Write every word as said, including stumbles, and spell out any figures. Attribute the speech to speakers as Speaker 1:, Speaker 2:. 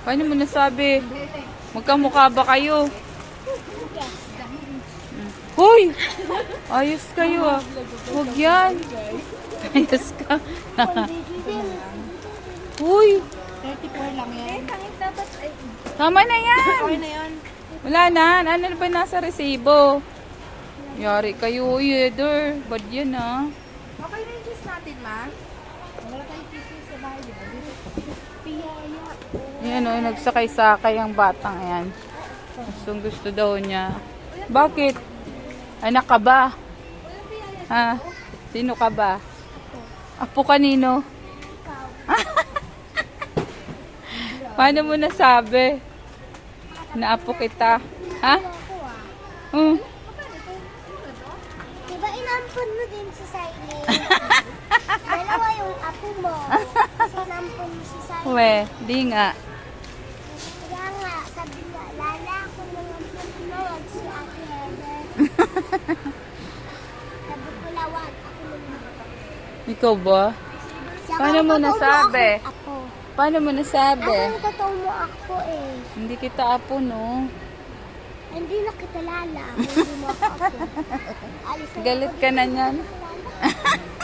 Speaker 1: Paano mo nasabi? Magkamukha ba kayo? Hoy! Ayos kayo ah. Huwag yan. Ayos ka. Uy!
Speaker 2: thirty-four lang yan.
Speaker 1: Tama na yan.
Speaker 2: Okay na yan.
Speaker 1: Wala na. Ano na ba nasa resibo? Yari kayo, yeder. Bad yan ah.
Speaker 2: Okay na yung juice natin, ma? Wala tayong juice sa bahay, di ba? Piyaya.
Speaker 1: Ayan o, nagsakay-sakay ang batang yan. Gustong gusto daw niya. Bakit? Anak ka ba? Ha? Sino ka ba? Apo kanino? Paano mo nasabi? Naapo kita. Ha? Hmm.
Speaker 3: Diba inampun mo din si Siley? Dalawa yung apo mo. Kasi inampun mo si Siley.
Speaker 1: We, di nga.
Speaker 3: Kaya nga, sabi nga, lala ako nung ampun mo, wag si Ate Heather. Sabi ko lawag, ako nung
Speaker 1: Ikaw ba?
Speaker 3: Saka
Speaker 1: Paano mo
Speaker 3: totoo
Speaker 1: nasabi?
Speaker 3: ako, Apo.
Speaker 1: Paano mo nasabi?
Speaker 3: Ako totoo mo ako eh.
Speaker 1: Hindi kita apo, no?
Speaker 3: Hindi na kita lala. Hindi mo ako apo. Alis na
Speaker 1: Galit ka na niyan.
Speaker 3: ako.